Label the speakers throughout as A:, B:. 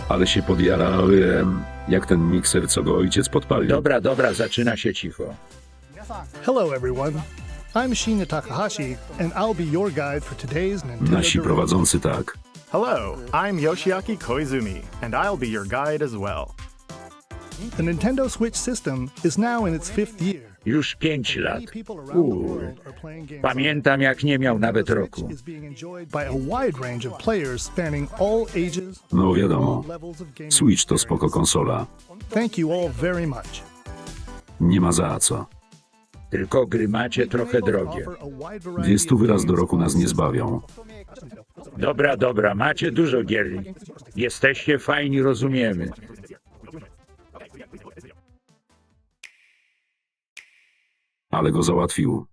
A: Ale się podjarałem, jak ten mikser, co go ojciec podpalił.
B: Dobra, zaczyna się cicho.
C: Hello, everyone. I'm Shinya Takahashi, and I'll be your guide for today's Nintendo
A: Nasi
C: Direct.
A: prowadzący tak.
D: Hello, I'm Yoshiaki Koizumi, and I'll be your guide as well.
C: The Nintendo Switch system is now in its 5th year.
B: Już 5 lat.
C: Many people around the world are playing games.
B: Pamiętam, jak nie miał nawet roku.
C: Switch is being enjoyed by a wide range of players spanning all ages,
A: No wiadomo,
C: all levels of gaming.
A: Switch to spoko konsola.
C: Thank you all very much.
A: Nie ma za co.
B: Tylko gry macie trochę drogie.
A: 200 wyraz do roku nas nie zbawią.
B: Dobra, macie dużo gier. Jesteście fajni, rozumiemy.
A: Ale go załatwił.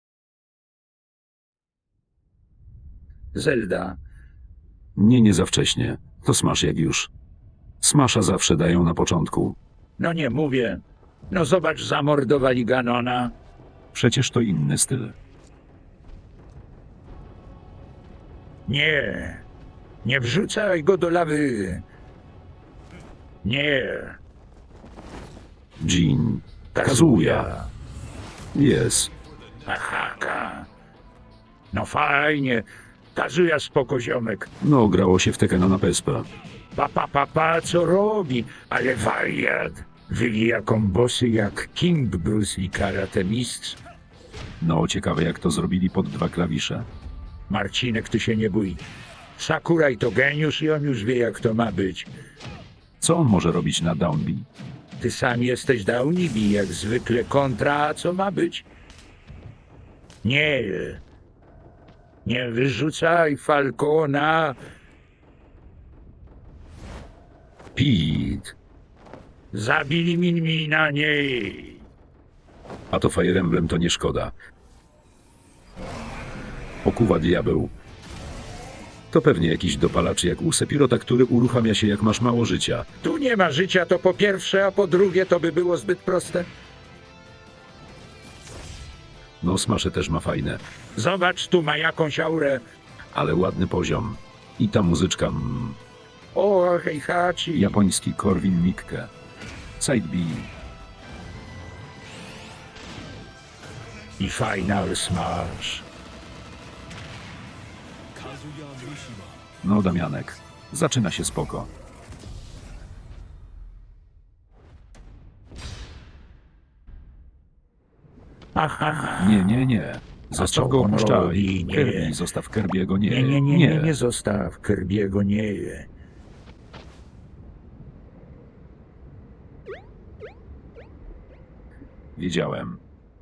B: Zelda.
A: Nie za wcześnie. To Smash jak już. Smasha zawsze dają na początku.
B: No nie mówię. No zobacz, zamordowali Ganona.
A: Przecież to inny styl.
B: Nie wrzucaj go do lawy. Nie.
A: Jin. Kazuya. Jest.
B: Aha. No fajnie. Kazuya spoko ziomek.
A: No, grało się w Tekkena na PSP.
B: Co robi? Ale wariat. Wywija kombosy jak King Bruce i karate mistrz.
A: No, ciekawe jak to zrobili pod 2 klawisze.
B: Marcinek, ty się nie bój. Sakuraj to geniusz i on już wie, jak to ma być.
A: Co on może robić na Downbeat?
B: Ty sam jesteś Downibi, jak zwykle kontra, a co ma być? Nie wyrzucaj Falcona.
A: Pete.
B: Zabili Minmina, nie.
A: A to Fire Emblem to nie szkoda. Okuwa diabeł. To pewnie jakiś dopalacz jak u Sepirota, który uruchamia się jak masz mało życia.
B: Tu nie ma życia, to po pierwsze, a po drugie to by było zbyt proste.
A: No, Smash też ma fajne,
B: Zobacz, tu ma jakąś aurę.
A: ale ładny poziom. I ta muzyczka,
B: O, Heihachi.
A: japoński Corwin Mikke. Side B.
B: I Final Smash.
A: No, Damianek. Zaczyna się spoko.
B: Aha.
A: Nie. Zostaw
B: co
A: go,
B: on
A: opuszczaj.
B: robi? Nie.
A: Kirby, zostaw Kirby'ego,
B: Nie zostaw Kirby'ego, nie.
A: Wiedziałem.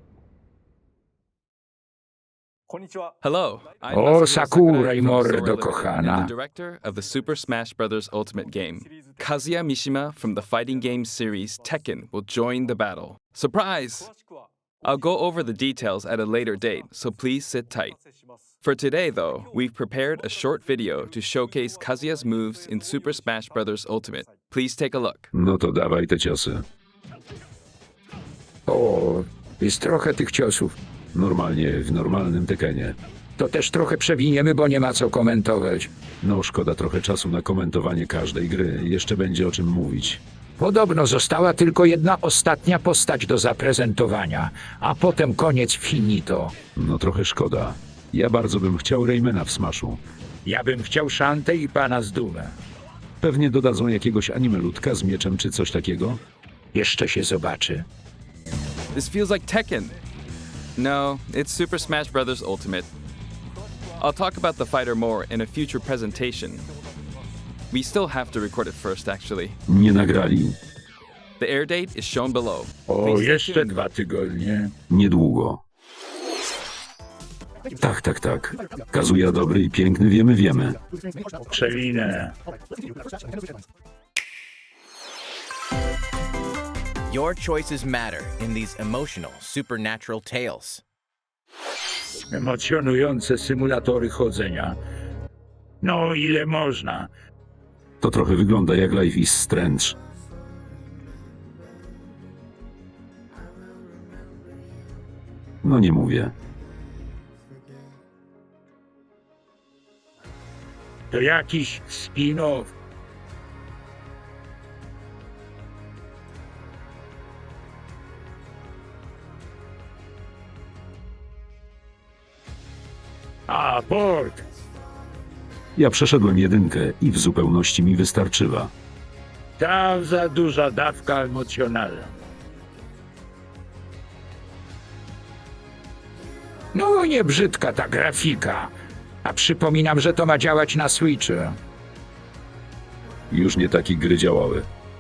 E: Hello, I'm
B: O,
E: Masahiro
B: Sakurai,
E: Sakurai from
B: mordo
E: Solar Level
B: kochana.
E: and the director of the Super Smash Bros. Ultimate game. Kazuya Mishima from the fighting game series Tekken will join the battle. Surprise! I'll go over the details at a later date, so please sit tight. For today, though, we've prepared a short video to showcase Kazuya's moves in Super Smash Bros. Ultimate. Please take a look.
A: No to dawaj te ciosy.
B: O, jest trochę tych ciosów.
A: Normalnie, w normalnym Tekkenie.
B: To też trochę przewiniemy, bo nie ma co komentować.
A: No, szkoda trochę czasu na komentowanie każdej gry. Jeszcze będzie o czym mówić.
B: Podobno została tylko jedna ostatnia postać do zaprezentowania, a potem koniec finito.
A: No trochę szkoda. Ja bardzo bym chciał Raymana w Smashu.
B: Ja bym chciał Szantę i pana z Dumę.
A: Pewnie dodadzą jakiegoś anime ludka z mieczem czy coś takiego.
B: Jeszcze się zobaczy.
E: This feels like Tekken. No, it's Super Smash Bros. Ultimate. I'll talk about the fighter more in a future presentation. We still have to record it first, actually.
A: Nie nagrali.
E: The air date is shown below.
B: O,
E: Please stay
B: jeszcze
E: tuned.
B: 2 tygodnie.
A: Niedługo. Tak. Kazuya dobry i piękny, wiemy.
B: Przewinę.
F: Your choices matter in these emotional, supernatural tales.
B: Emocjonujące symulatory chodzenia. No, ile można.
A: To trochę wygląda jak Life is Strange. No nie mówię.
B: To jakiś spin-off. A, port.
A: Ja przeszedłem jedynkę i w zupełności mi wystarczyła.
B: Tam za duża dawka emocjonalna. No, nie brzydka ta grafika. A przypominam, że to ma działać na Switchu.
A: Już nie takie gry działały.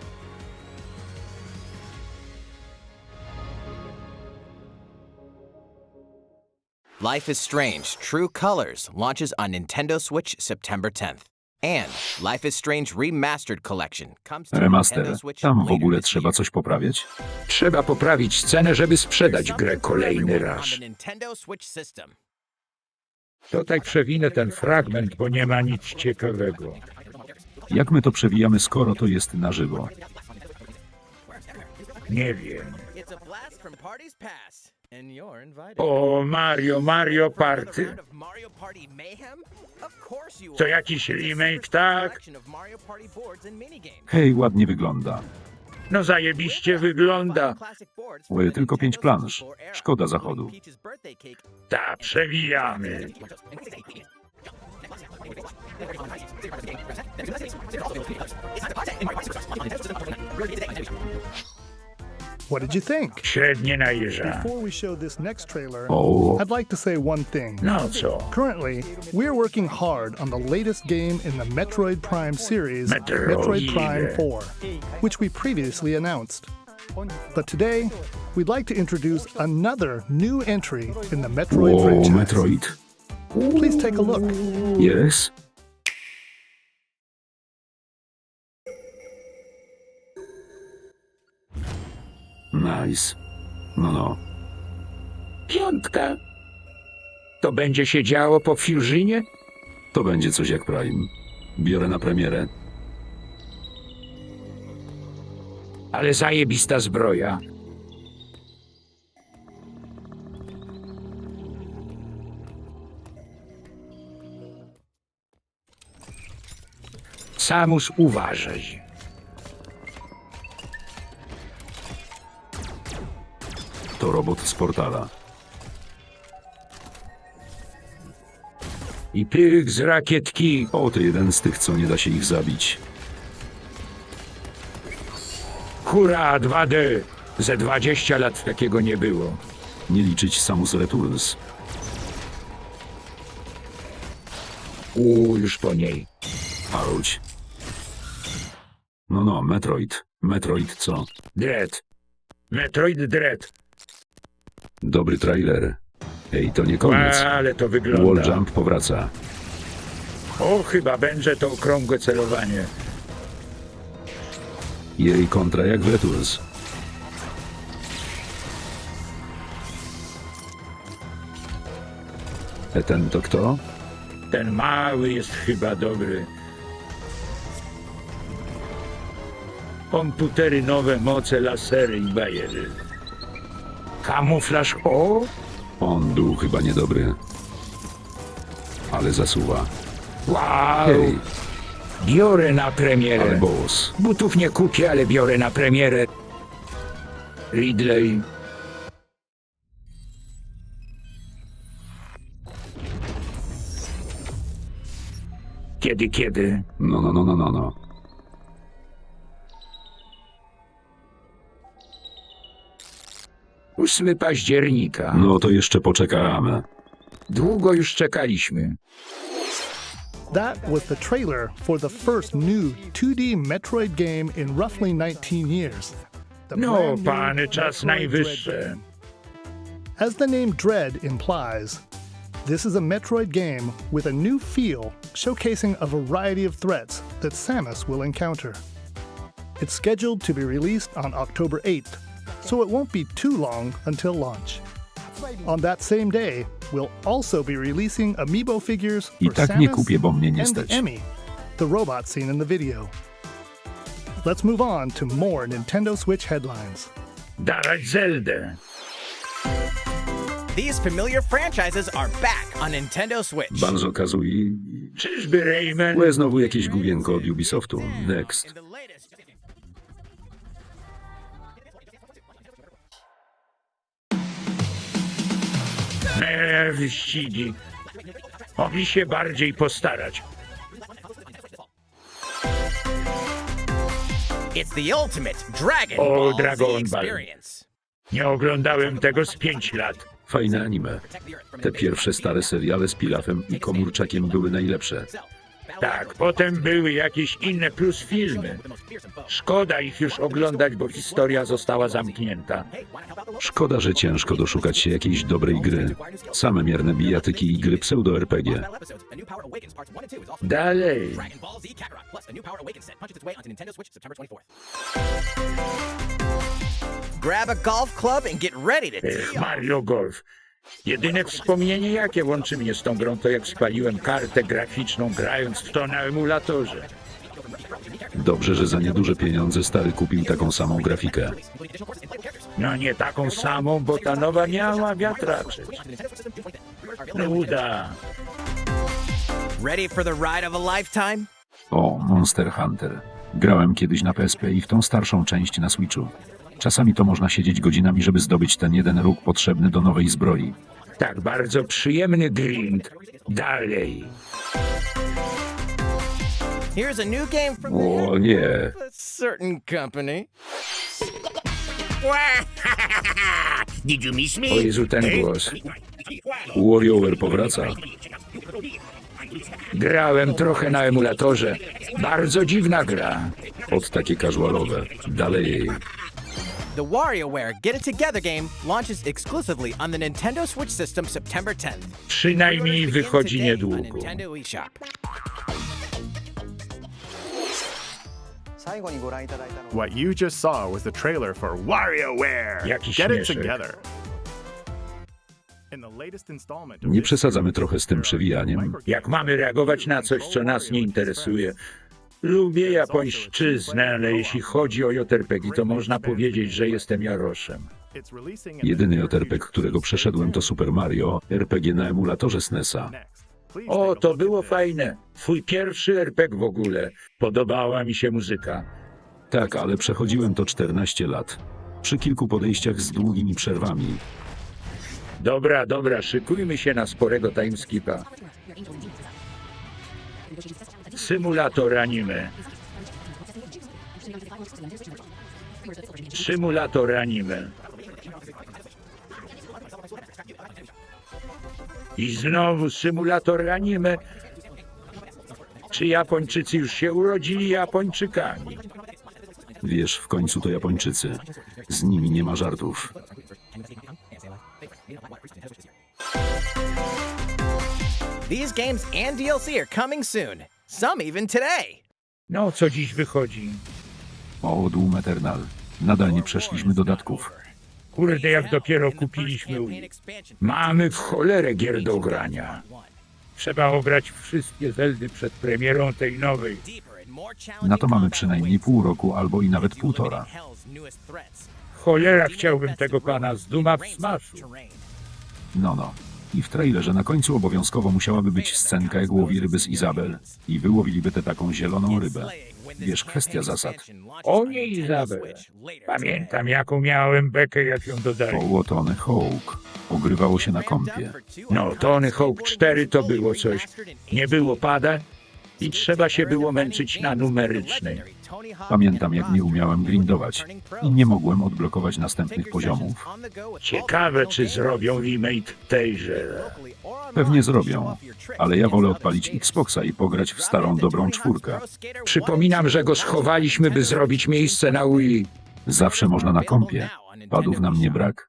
F: Life is Strange True Colors launches on Nintendo Switch September 10th. And Life is Strange Remastered Collection comes to
A: Remaster.
F: Nintendo Switch
A: Tam w
F: later
A: ogóle
F: this
A: trzeba
F: year.
A: coś poprawiać?
B: Trzeba poprawić cenę, żeby sprzedać grę
F: Something for
B: kolejny
F: everyone
B: raz.
F: on the Nintendo Switch system.
B: Tutaj przewinę ten fragment, bo nie ma nic ciekawego.
A: Jak my to przewijamy, skoro to jest na żywo?
B: Nie wiem.
F: It's a blast from parties past, and you're invited.
B: O, Mario Party.
F: Round of Mario Party Mayhem? Of course you
B: To
F: are.
B: jakiś
F: It's a
B: remake,
F: super
B: tak?
F: collection of Mario Party boards and minigames.
A: Hej, ładnie wygląda.
B: No zajebiście wygląda.
A: Ły, tylko 5 plansz. Szkoda zachodu.
B: Ta, przewijamy.
C: What did you think?
B: Średnie najeża.
C: Before we show this next trailer,
A: O,
C: I'd like to say one thing.
B: No co?
C: Currently, we're working hard on the latest game in the Metroid Prime series,
B: Metroid.
C: Metroid Prime 4, which we previously announced. But today, we'd like to introduce another new entry in the Metroid
A: o,
C: franchise.
A: Metroid.
C: Please take a look.
A: Yes? Nice. No.
B: Piątka. To będzie się działo po Fusionie?
A: To będzie coś jak Prime. Biorę na premierę.
B: Ale zajebista zbroja. Samus, uważaj.
A: To robot z portala.
B: I pyk z rakietki.
A: O, to jeden z tych, co nie da się ich zabić.
B: Hurra, 2D. Ze 20 lat takiego nie było.
A: Nie liczyć Samus Returns.
B: Już po niej.
A: Auć. No, Metroid. Metroid co?
B: Dread. Metroid Dread.
A: Dobry trailer. Ej, to nie koniec.
B: Ale to
A: Wall
B: wygląda.
A: Jump powraca.
B: O, chyba będzie to okrągłe celowanie.
A: Jej kontra jak w Returns. Ten to kto?
B: Ten mały jest chyba dobry. Komputery nowe, moce, lasery i bajery. Kamuflaż, o!
A: On był chyba niedobry. Ale zasuwa.
B: Wow!
A: Hej,
B: Biorę na premierę.
A: ale boss.
B: Butów nie kupię, ale biorę na premierę. Ridley. Kiedy?
A: No.
B: 8 października.
A: No to jeszcze poczekamy.
B: Długo już czekaliśmy.
C: That was the trailer for the first new 2D Metroid game in roughly 19 years. The
B: No,
C: brand new
B: pany, czas
C: Metroid
B: najwyższy.
C: Dread. As the name Dread implies, this is a Metroid game with a new feel, showcasing a variety of threats that Samus will encounter. It's scheduled to be released on October 8th, so it won't be too long until launch. On that same day, we'll also be releasing amiibo figures
A: I
C: for
A: tak nie
C: Samus
A: kupię, bo mnie nie
C: and
A: stać.
C: Emmy, the robot seen in the video. Let's move on to more Nintendo Switch headlines.
B: Dawać Zeldę.
F: These familiar franchises are back on Nintendo Switch.
A: Banjo-Kazooie.
B: Czyżby Rayman?
A: Łe, znowu jakieś główienko od Ubisoftu. Next.
F: In the latest
B: Wyścigi. Mogli się bardziej postarać.
F: It's the ultimate Dragon
B: O,
F: Ball Z
B: Dragon Ball.
F: experience.
B: Nie oglądałem tego z 5 lat.
A: Fajne anime. Te pierwsze stare seriale z Pilafem i Komórczakiem były najlepsze.
B: Tak, potem były jakieś inne plus filmy. Szkoda ich już oglądać, bo historia została zamknięta.
A: Szkoda, że ciężko doszukać się jakiejś dobrej gry. Same mierne bijatyki i gry pseudo-RPG.
B: Dalej.
F: Dragon Ball Z Kakarot plus a new Power Awakens set punches its way onto Nintendo Switch September 24th. Grab a golf club and get ready to tee off.
B: Mario Golf. Jedyne wspomnienie, jakie łączy mnie z tą grą, to jak spaliłem kartę graficzną, grając w to na emulatorze.
A: Dobrze, że za nieduże pieniądze stary kupił taką samą grafikę.
B: No nie taką samą, bo ta nowa miała wiatraczek. Nuda.
F: Ready for the ride of a lifetime?
A: O, Monster Hunter. Grałem kiedyś na PSP i w tą starszą część na Switchu. Czasami to można siedzieć godzinami, żeby zdobyć ten jeden róg potrzebny do nowej zbroi.
B: Tak, bardzo przyjemny grind. Dalej.
F: Here's a new game from
A: O nie,
F: a certain company.
G: Did you miss me?
B: O Jezu, ten głos.
A: WarioWare powraca.
B: Grałem trochę na emulatorze. Bardzo dziwna gra.
A: Od takie casualowe. Dalej.
F: The WarioWare Get It Together game launches exclusively on the Nintendo Switch system September 10th.
B: Przynajmniej wychodzi
F: Today on
B: niedługo.
F: Nintendo eShop.
H: 最後にご覧いただいたのは
D: What you just saw was the trailer for WarioWare.
B: Jaki
D: Get it
B: śmieszek.
D: together. In the latest installment of
A: Nie
D: this
A: przesadzamy
D: series,
A: trochę z tym przewijaniem.
B: Jak mamy reagować na coś, co nas nie interesuje? Lubię japońszczyznę, ale jeśli chodzi o JRPG, to można powiedzieć, że jestem Jaroszem.
D: It's releasing in
A: Jedyny
D: the near
A: JRPG,
D: future.
A: którego przeszedłem, to Super Mario, RPG na emulatorze SNES-a.
D: Next, please
B: O,
D: take a
B: to
D: look
B: było
D: at this.
B: fajne. Twój pierwszy RPG w ogóle. Podobała mi się muzyka.
A: Tak, ale przechodziłem to 14 lat. Przy kilku podejściach z długimi przerwami.
B: Dobra, dobra, szykujmy się na sporego timeskipa. Symulator anime. Symulator anime. I znowu symulator anime. Czy Japończycy już się urodzili Japończykami?
A: Wiesz, w końcu to Japończycy. Z nimi nie ma żartów.
F: These games and DLC are coming soon. Some even today.
B: No, co dziś wychodzi?
A: O, Doom Eternal. Nadal nie przeszliśmy dodatków.
B: Kurde, jak dopiero kupiliśmy Wii. Mamy w cholerę gier do grania. Trzeba ograć wszystkie Zeldy przed premierą tej nowej.
A: Na to mamy przynajmniej pół roku albo i nawet półtora.
B: Cholera, chciałbym tego pana z Duma w Smashu.
A: No. I w trailerze na końcu obowiązkowo musiałaby być scenka, jak łowi ryby z Izabel. I wyłowiliby tę taką zieloną rybę. Wiesz, kwestia zasad.
B: O nie, Izabel. Pamiętam, jaką miałem bekę, jak ją dodali.
A: Koło Tony Hawk. Ogrywało się na kompie.
B: No, Tony Hawk 4 to było coś. Nie było pada i trzeba się było męczyć na numerycznej.
A: Pamiętam, jak nie umiałem grindować i nie mogłem odblokować następnych poziomów.
B: Ciekawe, czy zrobią remake tejże.
A: Pewnie zrobią, ale ja wolę odpalić Xboxa i pograć w starą, dobrą czwórkę.
B: Przypominam, że go schowaliśmy, by zrobić miejsce na Wii.
A: Zawsze można na kompie. Padów nam nie brak.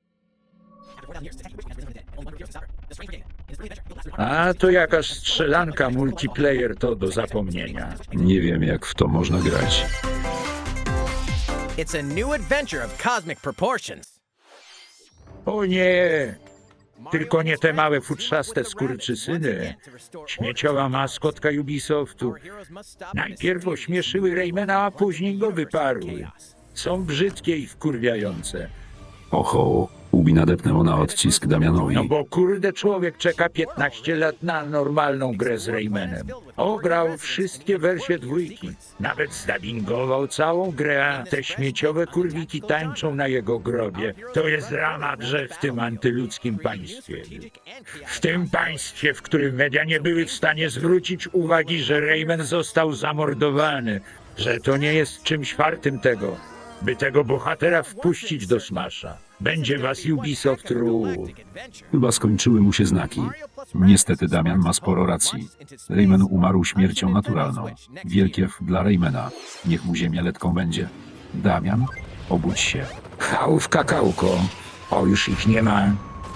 B: A to jakaś strzelanka multiplayer to do zapomnienia.
A: Nie wiem, jak w to można grać.
F: It's a new adventure of cosmic proportions.
B: O nie! Tylko nie te małe futrzaste skurczysyny. Śmieciowa maskotka Ubisoftu. Najpierw ośmieszyły Raymana, a później go wyparły. Są brzydkie i wkurwiające.
A: Oho, Ubi nadepnęło na odcisk Damianowi.
B: No bo kurde człowiek czeka 15 lat na normalną grę z Raymanem. Ograł wszystkie wersje dwójki. Nawet zdubbingował całą grę, a te śmieciowe kurwiki tańczą na jego grobie. To jest dramat, że w tym antyludzkim państwie. W tym państwie, w którym media nie były w stanie zwrócić uwagi, że Rayman został zamordowany, że to nie jest czymś wartym tego, by tego bohatera wpuścić do Smasha. Będzie was Ubisoft ruł.
A: Chyba skończyły mu się znaki. Niestety Damian ma sporo racji. Rayman umarł śmiercią naturalną. Wielkie F dla Raymana. Niech mu ziemia letką będzie. Damian, obudź się.
B: Chałów kakałko. O, już ich nie ma.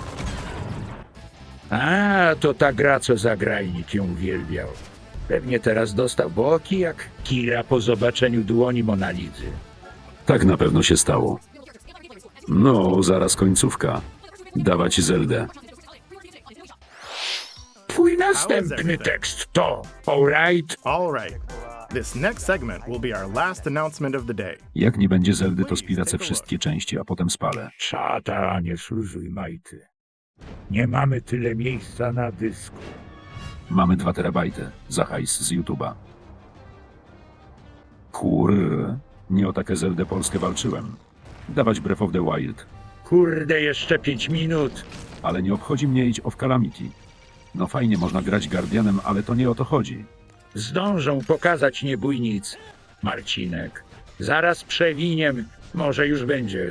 B: A, to ta gra, co zagrajnik ją uwielbiał. Pewnie teraz dostał boki jak Kira po zobaczeniu dłoni Monalizy.
A: Tak na pewno się stało. No, zaraz końcówka. Dawać Zeldę.
B: Twój następny tekst to alright.
D: All right. This next segment will be our last announcement of the day.
A: Jak nie będzie Zeldy, to spiracę wszystkie części, a potem spalę.
B: Czata, nie służuj majty. Nie mamy tyle miejsca na dysku.
A: Mamy 2 terabajty. Za hajs z YouTube'a. Nie o takie Zeldę Polskę walczyłem. Dawać Breath of the Wild.
B: Kurde, jeszcze 5 minut.
A: Ale nie obchodzi mnie Age of Calamity. No fajnie można grać Guardianem, ale to nie o to chodzi.
B: Zdążą pokazać niebójnic. Marcinek. Zaraz przewiniem. Może już będzie.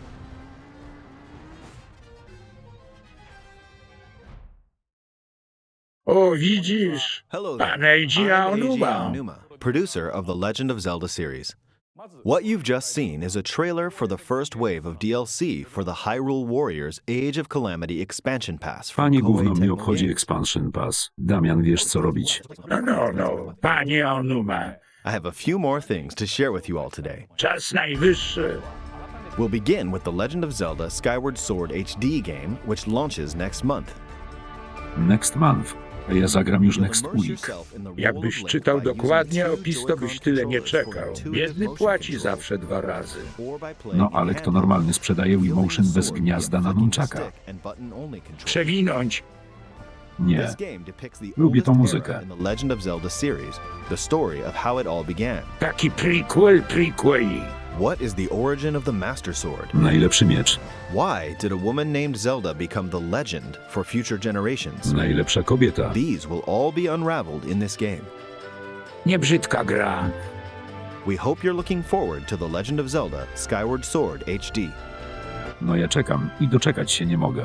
B: O, widzisz?
H: Hello there.
B: Pan Eiji
H: I'm Eiji
B: Aonuma.
H: Aonuma, producer of the Legend of Zelda series. What you've just seen is a trailer for the first wave of DLC for the Hyrule Warriors Age of Calamity expansion pass from
A: Fajnie
H: Koei
A: gówno mnie
H: Tecmo
A: obchodzi
H: Games.
A: Expansion Pass. Damian, wiesz co robić.
B: No, panie Aonuma.
H: I have a few more things to share with you all today.
B: Czas najwyższy.
H: We'll begin with the Legend of Zelda Skyward Sword HD game, which launches next month.
A: Next month. A ja zagram już
H: You'll
A: next
H: immerse
A: week.
H: yourself in the role
B: Jakbyś
H: of Link
B: czytał
H: by using
B: dokładnie
H: two
B: opis, to
H: Joy-Con
B: byś tyle nie
H: controllers
B: czekał.
H: for intuitive
B: Biedny
H: motion
B: płaci
H: control.
B: zawsze 2 razy.
H: Or by playing
A: No
H: in
A: ale kto
H: handheld.
A: normalny sprzedaje Wii
H: Wielding
A: Motion
H: the
A: bez
H: sword
A: gniazda
H: via
A: na
H: flicking
A: nunchaka?
H: stick and button-only control.
B: Przewinąć.
A: Nie.
H: This game depicts the
A: Lubię tą
H: oldest
A: muzykę.
H: era in the Legend of Zelda series, the story of how it all began.
B: Taki prequel.
H: What is the origin of the Master Sword?
A: Najlepszy miecz.
H: Why did a woman named Zelda become the legend for future generations?
A: Najlepsza kobieta.
H: These will all be unraveled in this game.
B: Nie brzydka gra.
H: We hope you're looking forward to The Legend of Zelda Skyward Sword HD.
A: No ja czekam i doczekać się nie mogę.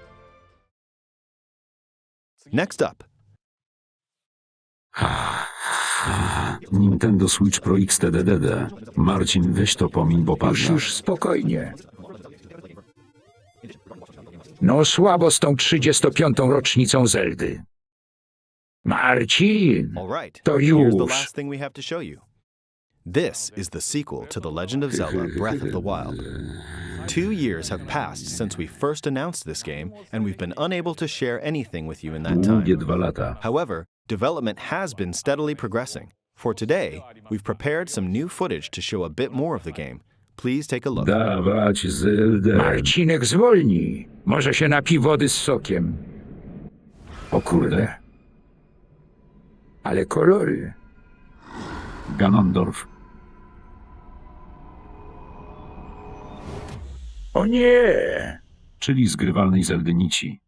H: Next up,
A: Nintendo Switch Pro XTDDD. Marcin, weź to pomiń, bo padnę.
B: Już spokojnie. No słabo z tą 35. rocznicą Zeldy. Marcin,
H: all right,
B: to
H: here's the
B: już.
H: last thing we have to show you. This is the sequel to The Legend of Zelda Breath of the Wild. 2 years have passed since we first announced this game, and we've been unable to share anything with you in that time.
A: Długie 2 lata.
H: However, development has been steadily progressing. For today, we've prepared some new footage to show a bit more of the game. Please take a look.
A: Dawać Zeldę.
B: Marcinek zwolni. Może się napi wody z sokiem. O kurde. Ale kolory.
A: Ganondorf.
B: O nie.
A: Czyli zgrywalnej Zeldy nici.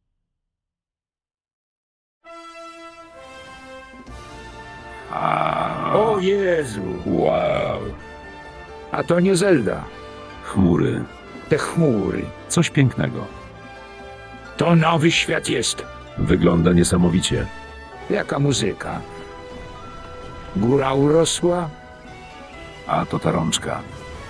B: O Jezu. Wow. A to nie Zelda.
A: Chmury.
B: Te chmury.
A: Coś pięknego.
B: To nowy świat jest.
A: Wygląda niesamowicie.
B: Jaka muzyka. Góra urosła.
A: A to ta rączka.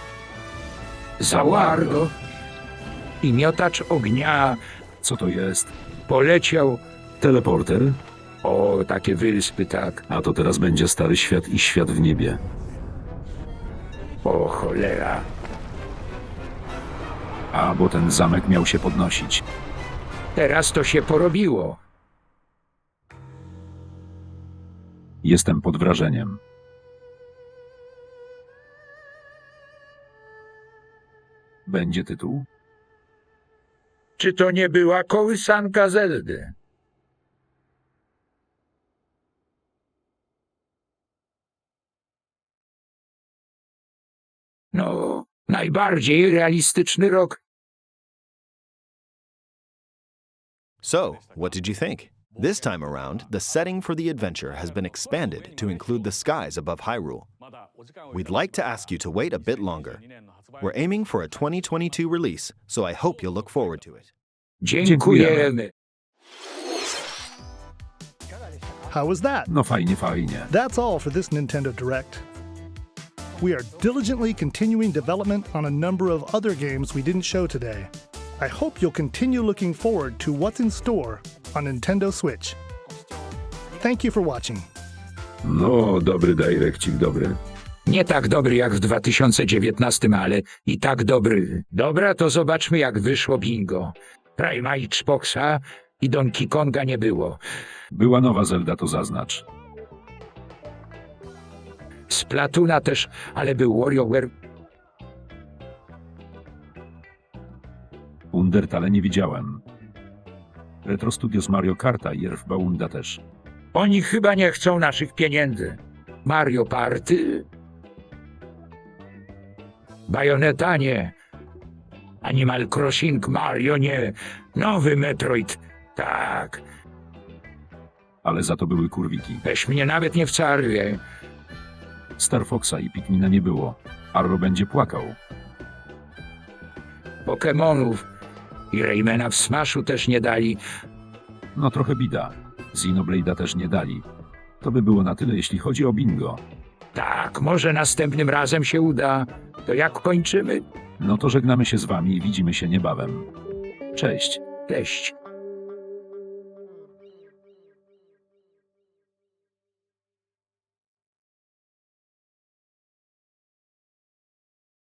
B: Zawardo. I miotacz ognia
A: Co to jest?
B: poleciał.
A: Teleporter?
B: O, takie wyspy, tak.
A: A to teraz będzie Stary Świat i Świat w niebie.
B: O cholera.
A: A, bo ten zamek miał się podnosić.
B: Teraz to się porobiło.
A: Jestem pod wrażeniem. Będzie tytuł?
B: Czy to nie była kołysanka Zeldy? No, najbardziej realistyczny rok.
H: So, what did you think? This time around, the setting for the adventure has been expanded to include the skies above Hyrule. We'd like to ask you to wait a bit longer. We're aiming for a 2022 release, so I hope you'll look forward to it.
B: Dziękujemy.
C: How was that?
A: No fajnie, fajnie.
C: That's all for this Nintendo Direct. We are diligently continuing development on a number of other games we didn't show today. I hope you'll continue looking forward to what's in store on Nintendo Switch. Thank you for watching.
A: No, dobry Direccik, dobry.
B: Nie tak dobry jak w 2019, ale i tak dobry. Dobra, to zobaczmy jak wyszło bingo. Prima i Xboxa i Donkey Konga nie było.
A: Była nowa Zelda, to zaznacz.
B: Splatuna też, ale był WarioWare.
A: Undertale nie widziałem. Retro Studios Mario Karta i Earthbounda też.
B: Oni chyba nie chcą naszych pieniędzy. Mario Party. Bayonetta nie. Animal Crossing Mario nie. Nowy Metroid. Tak.
A: Ale za to były kurwiki.
B: Weź mnie nawet nie wcarwie.
A: Star Foxa i Pikmina nie było. Arro będzie płakał.
B: Pokemonów. I Raymana w Smashu też nie dali.
A: No trochę bida. Xenoblade'a też nie dali. To by było na tyle, jeśli chodzi o bingo.
B: Tak, może następnym razem się uda. To jak kończymy?
A: No to żegnamy się z wami i widzimy się niebawem. Cześć.
B: Cześć.